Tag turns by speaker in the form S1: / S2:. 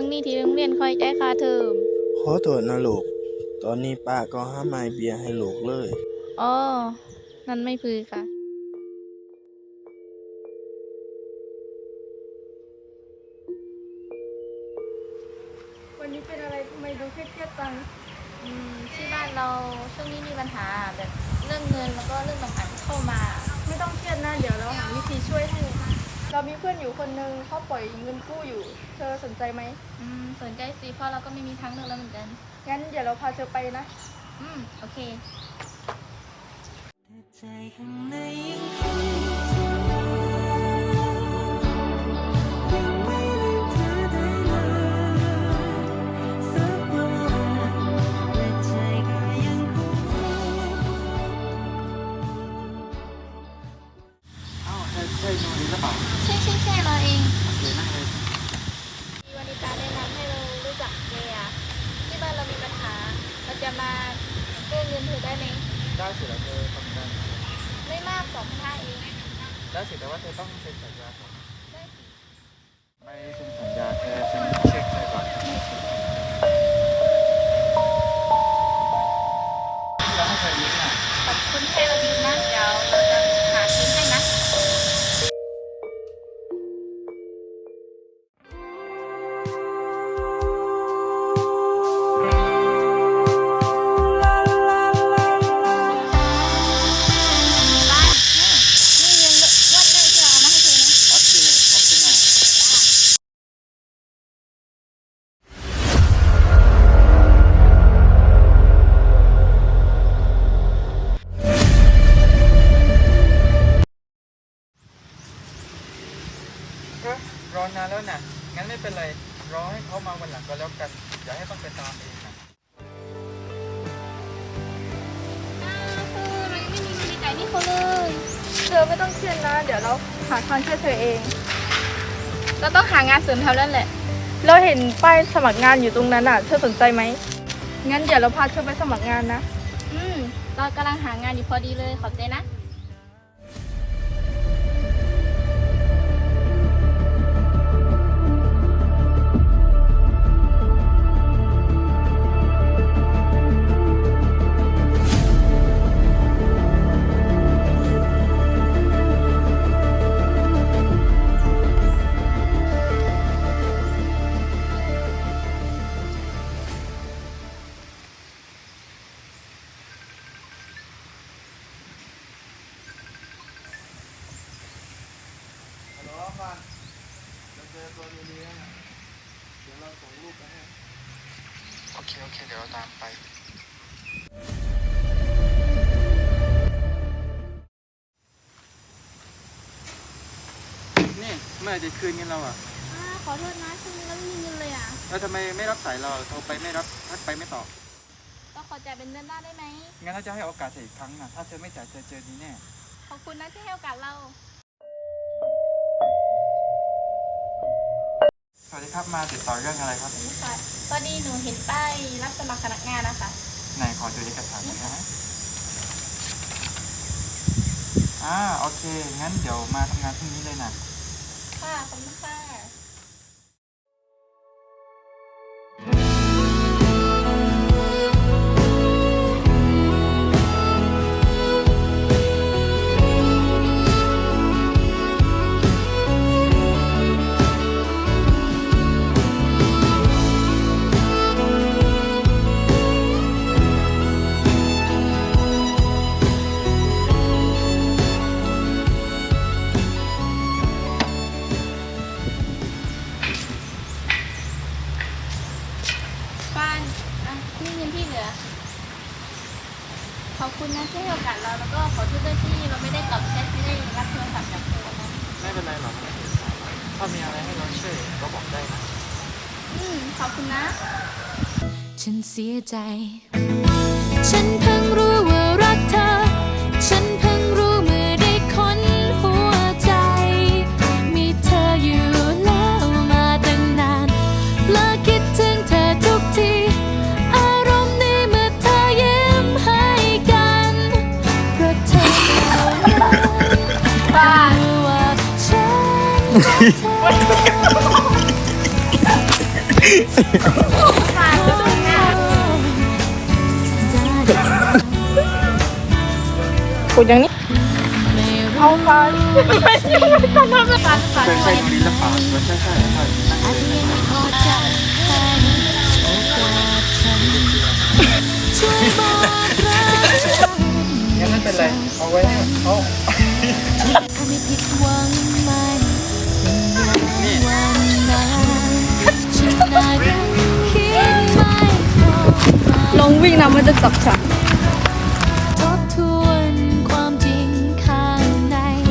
S1: งนี้ที่โรงเรียนคอยจ่ายค่าเทอม
S2: ขอโทษนะลูก ตอนนี้ป้าก็ห้ามไม่เบียร์ให้ลูกเลย
S1: อ๋อนั่นไม่พือค่ะ
S3: วันนี้เป็นอะไรทำไมดูเครียดๆจัง
S1: ที่บ้านเราช่วงนี้มีปัญหาแบบเรื่องเงินแล้วก็เรื่องต่างๆเข้ามา
S3: ไม่ต้องเครียดนะเดี๋ยวเราหาวิธีช่วยให้เรามีเพื่อนอยู่คนนึงเขาปล่อยเงินกู้อยู่เธอสนใจไหม
S1: สนใจสิเพราะเราก็ไม่มีทางเลือกแล้วเหมือนกัน
S3: งั้นเดี๋ยวเราพาเธอไปนะ
S1: โอเค
S4: ใจข้างในยังคงไม่ลืมเธอได้เลยสักวันและใจก็ยังคง
S5: ใช่โนริหรือเปล่า
S1: ใช่เราเอง
S5: โอเคนั่งเลย
S1: มีวันนี้การแนะนำให้เรารู้จักเจียที่บ้านเรามีปัญหาเราจะมาเรื่องเงินเธอได้ไหม
S5: ได้สิแล้วเธอทำงาน
S1: ไม่มาก2,500เอง
S5: ได้สิแต่ว่าเธอต้องเซ็นสัญญาก่อน
S1: ได้สิ
S5: ไม่เซ็นสัญญาเธอเซ็นเช็คให้ก่อนเราให้เธอยิ้มน่ะ
S1: ขอบคุณที่เราดีมากเดี๋ยวเราจะหาซื้อให้นะ
S5: รอนานแล้วน่ะงั้นไม่เป็นไรรอให้เขามาวันหลังก็แล้วกันอย่าให้ต้องไปตามเองนะ
S1: เรายังไม่มีเงินจ่ายนี่เขาเลย
S3: เธอไม่ต้องเครียดนะเดี๋ยวเราหาทางช่วยเธอเอง
S1: เราต้องหางานเสริมแถวนั้นแหละ
S3: เราเห็นป้ายสมัครงานอยู่ตรงนั้นเธอสนใจไหมงั้นเดี๋ยวเราพาเธอไปสมัครงานนะ
S1: เรากำลังหางานอยู่พอดีเลยขอบใจนะ
S2: เราเจอตัวดีๆนะเดี๋ยวเราส่งรูปไปให้
S5: โอเคเดี๋ยวเราตามไปนี่เมื่อไหร่จะคืนเงินเรา
S1: ขอโทษนะช่วงนี้เราไม่มีเงินเลย
S5: แล้วทำไมไม่รับสายเราโทรไปไม่รับทักไปไม่ตอบ
S1: ก็ขอจ่ายเป็นเดือนหน้าได้ไหม
S5: งั้นถ้าจะให้โอกาสเธออีกครั้งนะถ้าเธอไม่จ่ายเธอเจอดีแน่
S1: ขอบคุณนะที่ให้โอกาสเรา
S5: สวัสดีครับมาติดต่อเรื่องอะไรครับ
S1: ตอนนี้หนูเห็นป้ายรับสมัครพนักงานนะคะ
S5: ไหนขอดูเอกสารหน่อยนะโอเคงั้นเดี๋ยวมาทำงานพรุ่งนี้เลยนะ
S1: ค่ะขอบคุณค่ะนี่เงินที่เหลือขอบคุณนะที่ให้โอกาสเราแล้วก็ขอโทษด้วยที่เราไม่ได้ตอบแชทไม่ได้รับโทรศัพท์จากเธอนะ
S5: ไม่เป็นไรหรอกถ้ามีอะไรให้เราช่วยก็บอกได้นะ
S1: ขอบคุณนะ
S4: ฉันเสียใจฉันเพิ่งรู้ว่ารักเธอฉันเพิ่งรู้เมื่อได้คนหัวใจมีเธออยู่แล้วมาตั้งนานและคิดถึงเธอทุกทีอารมณ์ดีเมื่อเธอยิ้มให้กันเพราะเธอรู้ว่าฉันรักเธอ
S3: กดอย่างนี้เอาไป
S5: ใช่ตรงนี้หรือเปล่าใช่ใช่ใช่
S4: อาจจะยังไม่พอใจให้โอกาสฉันช่วยบอกรักฉัน
S5: งั้นไม่เป็นไร เอาไว้ให้เขา
S4: ทำให้ผิดหวังมันเป็นอย่างวันนั้นฉันน่ารักคิดไม่พอ
S3: ลองวิ่งนะมันจะจับฉัน